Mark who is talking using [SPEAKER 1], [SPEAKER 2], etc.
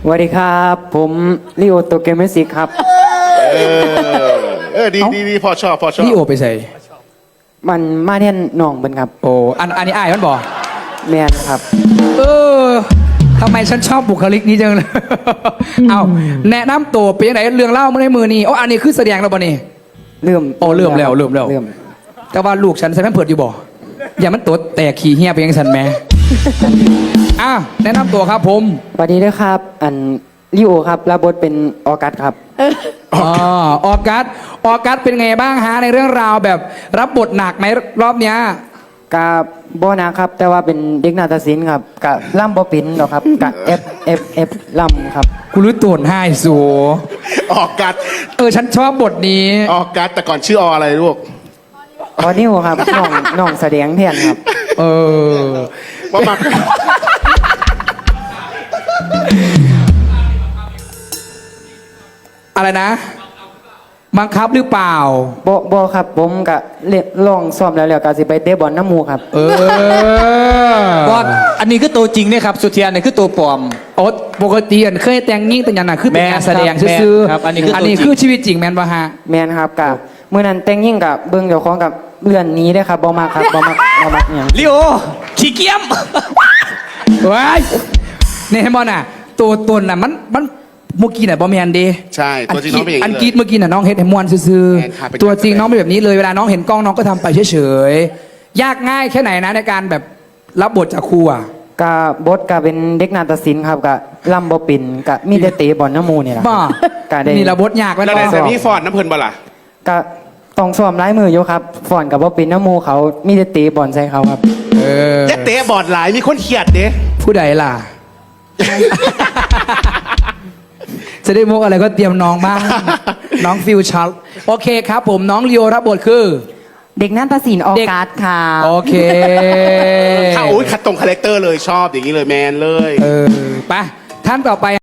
[SPEAKER 1] สวัสดีครับผมลิโอโตเกเมสิกครับ
[SPEAKER 2] ดีพอชอบ
[SPEAKER 3] นี่โอไปใส่
[SPEAKER 1] มันมาเนี่ยน้องเป็นครับ
[SPEAKER 3] โอ้อันนี้อ้ายมันบอก
[SPEAKER 1] แมนครับ
[SPEAKER 3] ทำไมฉันชอบบุคลิกนี้จังเลย เอาแนะนำตัวเป็นยังไงเรื่องเล่าเมื่อในมือนี่อันนี้คือแสดงแล้วป่ะนี่
[SPEAKER 1] เริ่ม
[SPEAKER 3] แล้วแต่ว่าลูกฉันใส่แม่เปิดอยู่บ่อย่ามันตัวแตกขี้เหี้ยไปยังฉันแม่ แนะนำตัวครับผม
[SPEAKER 1] สวัสดีด้วยครับลิโอครับรับบทเป็นออกัสครับ
[SPEAKER 3] ออกัสเป็นไงบ้างฮะในเรื่องราวแบบรับบทหนักไหมรอบเนี้ย
[SPEAKER 1] กับโบนะครับแต่ว่าเป็นเด็กนาฏศิลป์ครับกับล่ำบอปินหรอครับกับเอฟล่ำครับ
[SPEAKER 3] กูรู้ตัวให้สู
[SPEAKER 2] ออกกัด
[SPEAKER 3] ฉันชอบบทนี้
[SPEAKER 2] ออกกัดแต่ก่อนชื่ออะไรลูก
[SPEAKER 1] อนิวครับน้องแสดงแทนครับ
[SPEAKER 2] ว่ามา
[SPEAKER 3] อะไรนะบังคับหรือเปล่า
[SPEAKER 1] บครับผมกับลองซ้อมแล้วก็สิไปเตะบอลน้ำมูครับ
[SPEAKER 4] บอลอันนี้คือตัวจริงเนี่ยครับสุเทียนนี่คือตัวปลอม
[SPEAKER 3] ปกติเคยแต่งยิ่งแต่ยันน่ะคือเป็นการแสดงซื่อ
[SPEAKER 4] อันนี้
[SPEAKER 3] คือชีวิตจริงแมนป่ะฮะ
[SPEAKER 1] แมนครับกับเมื่อนั้นแต่งยิ่งกับเบิ้งเดี๋ยวของกับเลื่อนนี้ได้ครับบอมาครับบอมาอย่าง
[SPEAKER 4] ลิโอขี้เกียม
[SPEAKER 3] ว้ายเนี่ยบอลน่ะตัวตนน่ะมันเมื่อกี้น่ะบอมแมนดี
[SPEAKER 2] ใช่ตัวจริงน้องเป็นอย่างนี้
[SPEAKER 3] อันกีดเมื่อกี้น่ะน้องเฮ็ดให้มวนซื่อตัวจริงน้องเป็นแบบนี้เลยเวลาน้องเห็นกล้องน้องก็ทำไปเฉยๆยากง่ายแค่ไหนนะในการแบบรับบทจากครูอ่ะ
[SPEAKER 1] กับบทกับเป็นเด็กนาฏศิลป์ครับกับล่ำบอปินกับมีเตะบอลน้ำมูนี่แหละ
[SPEAKER 3] นี่ระบทยาก
[SPEAKER 2] แล้วแต่พี่ฟอนน้ำเพลินบ่ล่ะ
[SPEAKER 1] กับต้องซ้อมร้ายมืออยู่ครับฟอนกับบอปินน้ำมูเขามีเตะบอลใส่เขาครับ
[SPEAKER 2] จะเตะบอลหลายมีคนเขียดเด้
[SPEAKER 3] ผู้ใดล่ะ จะได้มุกอะไรก็เตรียมน้องบ้าง น้องฟิวชัลโอเคครับผมน้องลีโอรับบทคือ
[SPEAKER 1] เด็กนาฏศิลป์ออกัสค่ะ
[SPEAKER 3] โอเค
[SPEAKER 2] ขัดตรงคาแรคเตอร์เลยชอบอย่างนี้เลยแมนเลย
[SPEAKER 3] ไปท่านต่อไป